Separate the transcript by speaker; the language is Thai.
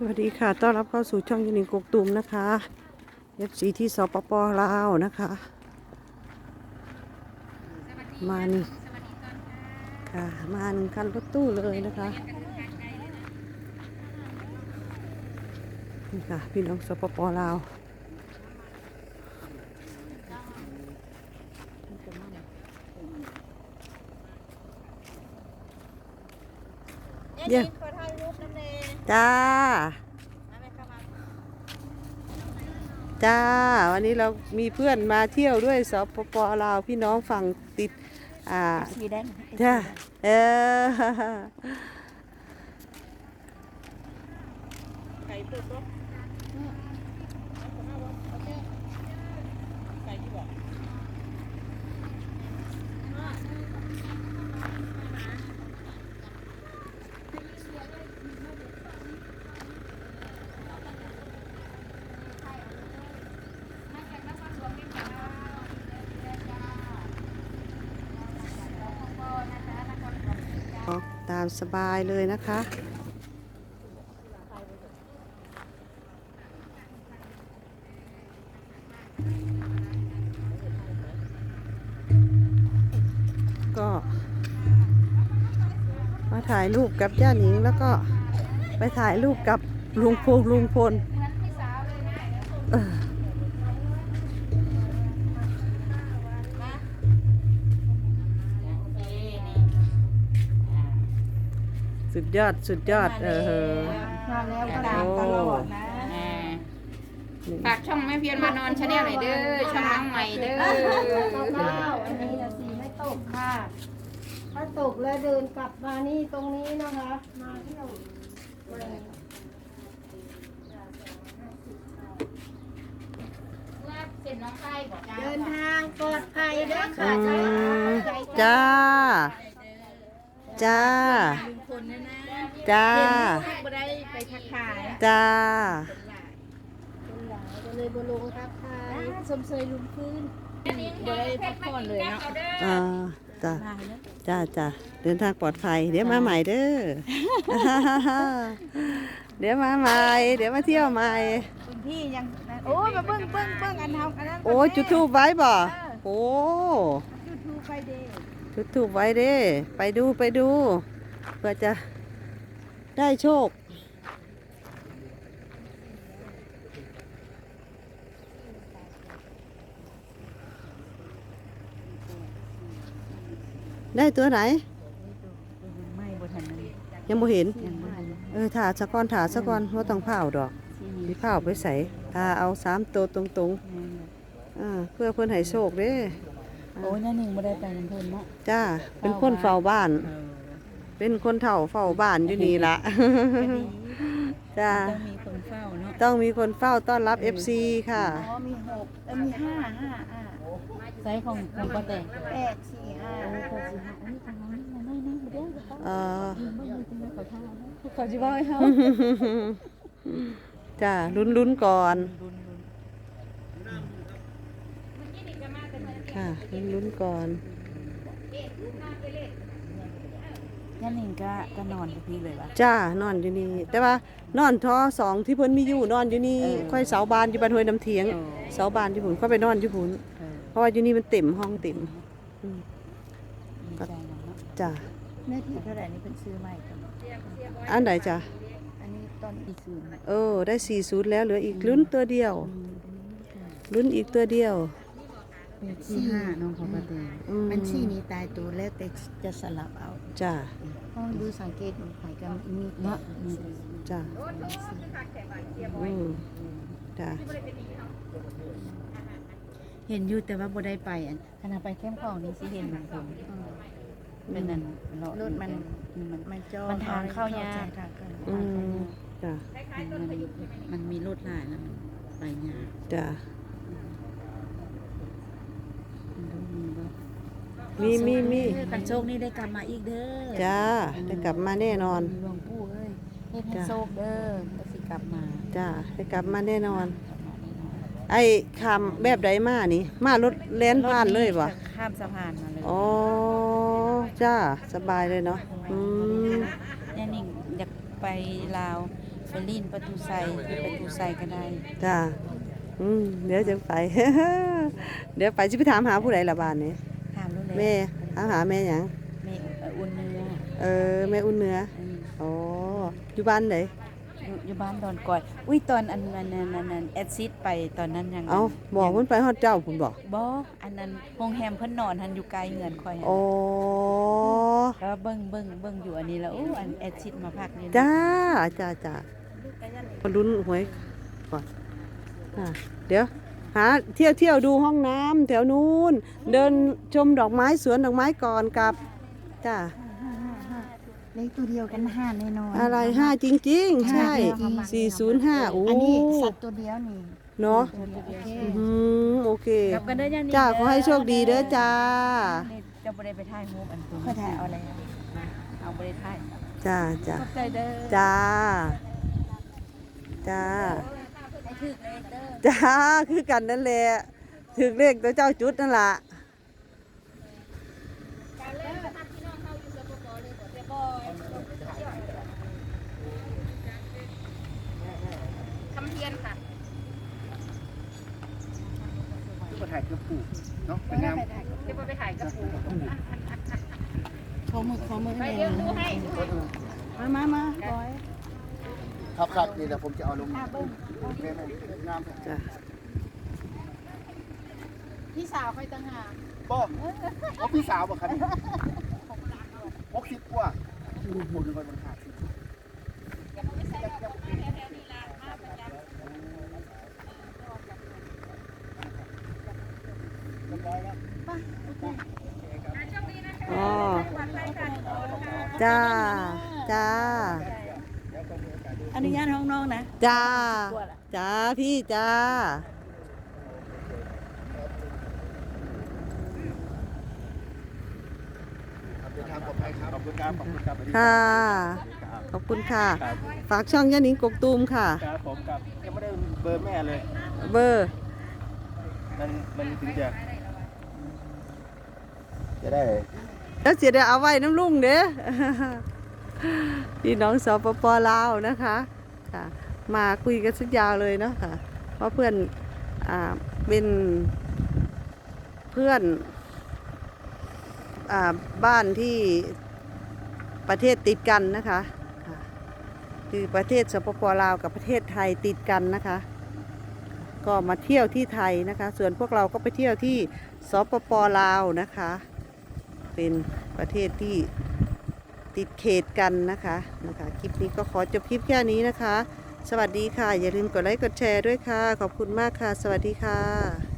Speaker 1: วัสดีค่ะต้อนรับเข้าสู่ช่องยินิงกกตุมนะคะ FC ที่สปป.ลาวนะคะมานี่ค่ะมาหนึ่งคันรถตู้เลยนะคะนี่ค่ะพี่น้องสปป.ลาวเดี๋ยวจ้าจ้าวันนี้เรามีเพื่อนมาเที่ยวด้วยสปป.ลาวพี่น้องฝั่งติด
Speaker 2: สวีเดน
Speaker 1: จ้า
Speaker 2: ไก่ตัวตัวไก่ที่บอก
Speaker 1: ตามสบายเลยนะคะก็มาถ่ายรูปกับย่าหนิงแล้วก็ไปถ่ายรูปกับลุงพลสุดยอด
Speaker 2: มาแล้วก็ตามตลอดนะ
Speaker 3: ฝากช่องแม่เพียรมานอนชาแนลหน่อยเด้อช่องน้องใหม่เด้อ
Speaker 2: อันนี้นะสีไม่ตกค่ะถ้าตกแล้วเดินกลับมานี่ตรงนี้นะคะมาเที่ยว
Speaker 3: เส้นน้องไส้บอก
Speaker 2: เดินทางปลอดภัยเด้อค่ะ
Speaker 1: จ้าจ้า
Speaker 3: คนนะนะ
Speaker 1: จ้า
Speaker 3: บ่ได้ไปทักทาย
Speaker 1: จ้า
Speaker 2: คนหลายก็เลยบลงทักทายสมเสยลุงพื้น
Speaker 3: บ่ได้พักผ่อนเลยเนาะ
Speaker 1: จ้าจ้าเดินทางปลอดภัยเดี๋ยวมาใหม่เด้อ เดี๋ยวมาใหม่เดี๋ยวมาเที่ยวใหม่
Speaker 2: คุณพี่ยังโอ้มาเบิ้งอันทำอันนั้น
Speaker 1: โอ้จุดทูบไว้บ่โอ้
Speaker 2: จุดทูไฟเดย์
Speaker 1: จุดทูบไว้เด้ไปดูเพื่อจะได้โชคได้ตัวไหน
Speaker 2: ไม่บทันเลย
Speaker 1: ยังบ่เห็น
Speaker 2: ยังไม่
Speaker 1: ถาสะก้อนว่าต้องเผาดอกมีเผาไปใส่เอา3 ตัวตรงๆเพื่อเพื่อนให้โชคเด้
Speaker 2: โอ้ยนั่นหนึ่งไม่ได้ไปน้ำเพลินเนาะ
Speaker 1: จ้าเป็นคนเฝ้าบ้าน เป็นคนเฒ่าเฝ้าบ้านอยู่นี่ละจ้า
Speaker 2: ต้องมีคนเฝ้าเนาะ
Speaker 1: ต้องมีคนเฝ้าต้อนรับ FC ค่ะ
Speaker 2: อ๋อมี6มี5ไซส์ของป้าแต่8 4 58 4 5อันนี้ของน้องนี่น้อยนะเดี๋ยวเขาจะบอกให้เขา
Speaker 1: จ้าลุ้นก่อนค่ะลุ้นก่อน
Speaker 2: นั่นเองก็นอนกับพี่เลยวะ
Speaker 1: จ้านอนอยู่นี่แต่ว่านอนท้อ2ที่เพิ่นมีอยู่นอนอยู่นี่ค่อยเสาบานอยู่บ้านห้วยน้ำเถียงเสาบานอยู่พุ่นค่อยไปนอนอยู่พุ่นเพราะว่าอยู่นี่มันเต็มห้องเต็มจ้า
Speaker 2: เนื้อที่เท่าไหร่นี่เป็นซื้อใหม่กัน
Speaker 1: อันไหนจ้ะ
Speaker 2: อันนี้ต้นอีซูน
Speaker 1: ได้40แล้วเหลืออีกลุ้นตัวเดียวลุ้นอีกตัวเดียว
Speaker 2: 4 5น้องของป้าแต่มันชี้นี้ตายตัวแล้วแต่จะสลับเอา
Speaker 1: จ้า
Speaker 2: ต้องดูสังเกตดูไข่กันมีเนาะ
Speaker 1: จ้าจ้า
Speaker 2: เห็นอยู่แต่ว่าบ่ได้ไปอันขณะไปเข้มของนี่สิเห็นมันเป็นนั่นรถมันจอมันทางเข้ายาก
Speaker 1: จ้า
Speaker 2: มันมีรถหลายแล้วมันไปยาก
Speaker 1: จ้า มี
Speaker 2: กันโชคนี่ได้กลับมาอีกเด้อ
Speaker 1: จ้าได้กลับมาแน่นอน
Speaker 2: หลวงปู่เอ้ยเฮ็ดให้โชคเด้อก็สิกลับมา
Speaker 1: จ้าได้กลับมาแน่นอน ไอ้คำแบบใดมานี่มารถแล่นผ่านเลยบ่
Speaker 2: ข้ามสะพานมาเลย
Speaker 1: อ๋อจ้าสบายเลยเนาะ
Speaker 2: แน่นิ่งอยากไปลาวไปลีนประตูไซก็ได้
Speaker 1: จ้าเดี๋ยวจะไป เดี๋ยวไปสิไปถามหาผู้ใดล่ะบ้านนี้
Speaker 2: ถามรู้เลย
Speaker 1: แม่ถามหาแม่หยัง
Speaker 2: แม่อุ่นเนื้อ
Speaker 1: แม่อุ่นเนื้อ
Speaker 2: อืม
Speaker 1: อ๋ออยู่บ้านไหน
Speaker 2: อยู่บ้านดอนก่อยอุ้ยตอนอันนั้นแอดซิดไปตอนนั้นยัง
Speaker 1: เอาบอกเพิ่นไปฮอดเจ้าพุ่นบอก
Speaker 2: บ่อันนั้นโรงแรมเพิ่นนอนหันอยู่ไกลเงินข่อยหั่น
Speaker 1: อ๋อ
Speaker 2: แล้วเบิ่งอยู่อันนี้แล้วอู้อันแอดซิดมาพักนี่นะ
Speaker 1: จ้ามาลุ้นหวยก่อนเดี๋ยวหาเที่ยวดูห้องน้ำแถวนู้นเดินชมดอกไม้สวนดอกไม้ก่อนกลับจ้า
Speaker 4: เลขตัวเดียวกัน5แน่นอน
Speaker 1: อะไร5จริงๆ ใช่ 405โอ้
Speaker 4: อันนี้สัตว์ตัวเดียวนี่
Speaker 1: เนาะ
Speaker 4: ตัวเดียวโอเค
Speaker 1: โอเค
Speaker 2: กลับกันเด้อยังนี่
Speaker 1: จ้าขอให้โชคดีเด้อจ้า
Speaker 2: นี่จะบ่ได้ไปถ่ายรูปอันตัว
Speaker 4: ค่อยถ่ายเอาอะไร
Speaker 2: เอาบ่ได้ถ่าย
Speaker 1: จ้า
Speaker 2: ขอบใจเด้อ
Speaker 1: จ้า
Speaker 2: ให้ถึกเลยเด้อ
Speaker 1: จ้า คือกันนั่นแหละถึงเลขตัวเจ้าจุดนั่นล่ะ
Speaker 3: คำเทียนค่ะ
Speaker 5: ก็ถ่ายกับปู่เนาะเป็นงาม
Speaker 3: เดี๋ยวไปถ่ายกับปู่
Speaker 4: ขอมือ
Speaker 3: ไปเดี๋ยวดูให้
Speaker 4: มาบอย
Speaker 5: ครับนี่แหละผมจะเอาลงแม่งาม
Speaker 1: จ้า
Speaker 4: พี่สาวค่อยต่างหาก
Speaker 5: ป้อพี่สาวบ่ครับ60กว่าผมเป็นคนมันขาด
Speaker 1: อ๋อจ้า
Speaker 4: อนุญาตห้องน้องนะ
Speaker 1: จ้า จ้า พี่จ้า
Speaker 5: เดินทางปลอดภัยครับขอบคุณครับขอบคุณครับ
Speaker 1: ค่ะ ขอบคุณค่ะ ฝากช่องย่านิงกกตูมค่ะ
Speaker 5: ครับผมครับยังไม่ได้เบอร์แม่เลย
Speaker 1: เบอร์
Speaker 5: มันถึงจะได้
Speaker 1: แล้วเสียเดี๋ยวเอาไว้น้ำลุงเด้อ พี่น้องสปปลาวนะคะค่ะมาคุยกันสักยาวเลยเนาะค่ะเพราะเพื่อนเป็นเพื่อนบ้านที่ประเทศติดกันนะคะค่ะคือประเทศสปปลาวกับประเทศไทยติดกันนะคะ ก็มาเที่ยวที่ไทยนะคะ ส่วนพวกเราก็ไปเที่ยวที่สปปลาวนะคะ เป็นประเทศที่ติดเขตกันนะคะคลิปนี้ก็ขอจบคลิปแค่นี้นะคะ สวัสดีค่ะ อย่าลืมกดไลค์กดแชร์ด้วยค่ะ ขอบคุณมากค่ะ สวัสดีค่ะ